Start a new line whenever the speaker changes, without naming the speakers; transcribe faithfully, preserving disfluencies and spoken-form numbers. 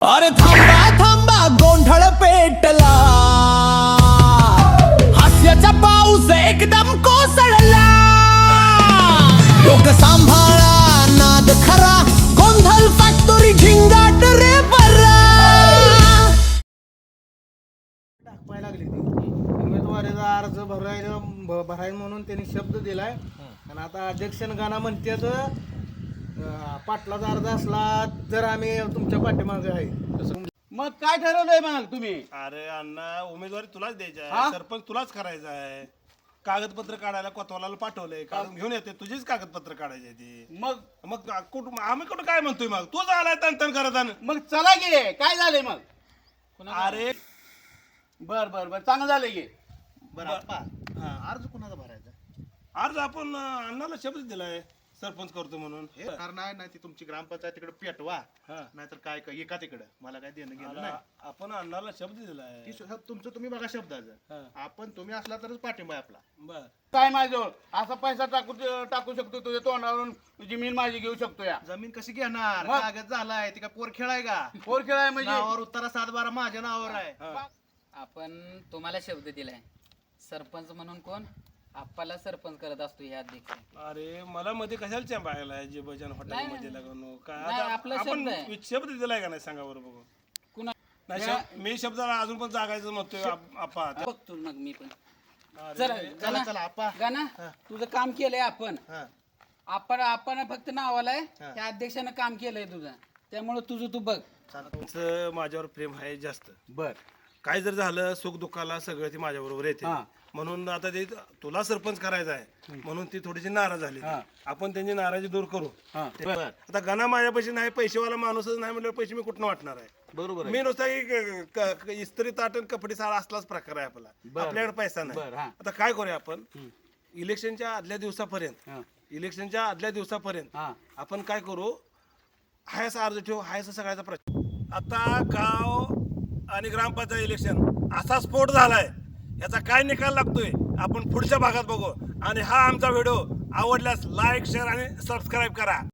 अरे थांबा थांबा गोंधळ पेटला, हास्याचा पाऊस एकदम कोसळला. लोक सांभाळा नाद खरा, गोंधळ फॅक्टोरी झिंगाट रे बरा.
टाकायला लागली ती उमेदवारीचा अर्ज भरायला भ- भरायला म्हणून त्यांनी शब्द दिलाय. आणि आता अध्यक्षांना गाणं म्हणतात पाटलाचा अर्ज असला तर आम्ही तुमच्या पाठीमागे आहे. तसं
मग काय ठरवलंय मग तुम्ही?
अरे अण्णा उमेदवारी तुलाच द्यायची
हा?
आहे, सरपंच तुलाच करायचा आहे. कागदपत्र काढायला कोतवालाला पाठवलंय, काढून घेऊन येते. तुझीच कागदपत्र काढायचे ती.
मग
मग कुठं आम्ही कुठं काय म्हणतोय? मग तूच आलाय तन तन करत आणि.
मग चला गे, काय झालंय मग?
अरे
बर बर बर चांगलं झालंय गे.
बरं आप्पा, अर्ज कुणाचा भरायचा?
अर्ज आपण अं, अण्णाला शब्द दिलाय सरपंच करतो म्हणून.
हे कारण आहे ना ती तुमची ग्रामपंचायत तिकडे पेटवा,
हा.
नाहीतर काय काय एका तिकडं मला काय देणं घेणं नाही.
आता आपण अण्णाला शब्द दिलाय.
ती शब्द तुमचं तुम्ही बघा शब्दाचं.
हा.
आपण तुम्ही असला तरच पाठिंबा आहे आपला.
बर
काय माझ्याजवळ असा पैसा टाकू टाकू शकतो तुझ्या तोंडावरून, जमीन माझी घेऊ शकतो या.
जमीन कशी घेणार?
मग?
कागद झालाय ती काय पोर खेळाय का?
पोर खेळाय म्हणजे
नावावर उत्तरा सात बारा माझ्या नावावर आहे.
हा.
आपण तुम्हाला शब्द दिलाय सरपंच म्हणून. कोण आप्पाला सरपंच करत असतो हे अध्यक्ष.
अरे मला मध्ये कशाला चॅम्पायला जे बजन हॉटेल
नाही,
मध्ये लागून काय
नाही,
आता
आपला
आपण
शब्द आहे.
शब्द दिलाय का नाही सांगा बरं बघू.
कुणा
नाही शब- मी शब्दाला अजून पण जागायचं म्हणतोय आप- आप्पा.
बघतो मग मी पण.
अरे,
चला
चला
गाना
चला आप्पा.
गाना तुझं काम केलंय आपण.
हा.
आपण आपण फक्त नावाला आहे, त्या अध्यक्षानं काम केलंय तुझं, त्यामुळे तुझं तू बघ.
तुमचं माझ्यावर प्रेम आहे जास्त.
बर
काय जर झालं सुख दुःखाला सगळं ती माझ्या बरोबर येते.
हा.
म्हणून आता ते तुला सरपंच करायचं आहे म्हणून ती थोडीशी नाराज झाली.
हा.
आपण त्यांची नाराजी दूर करू.
हा
ते- आता गणा माझ्यापाशी नाही, पैसेवाला माणूसच नाही म्हटलं पैसे मी कुठनं वाटणार आहे?
बरोबर आहे.
मी नुसता की क- क- क- इस्त्री ताटण कपडे साळा असलाच प्रकार आहे आपला.
बरं.
आपल्याकडे पैसा नाही.
बरं, हा.
आता काय करूया आपण? इलेक्शनच्या आदल्या दिवसापर्यंत
हा.
इलेक्शनच्या आदल्या दिवसापर्यंत
हा.
आपण काय करू? हायसा अर्ज ठेवू, हायसा सगळ्याचा प्रश्न. आता गाव आणि ग्रामपंचायत इलेक्शन असा स्फोट झालाय, याचा काय निकाल लागतोय आपण पुढच्या भागात बघू. आणि हा आमचा व्हिडिओ आवडल्यास लाईक शेअर आणि सबस्क्राईब करा.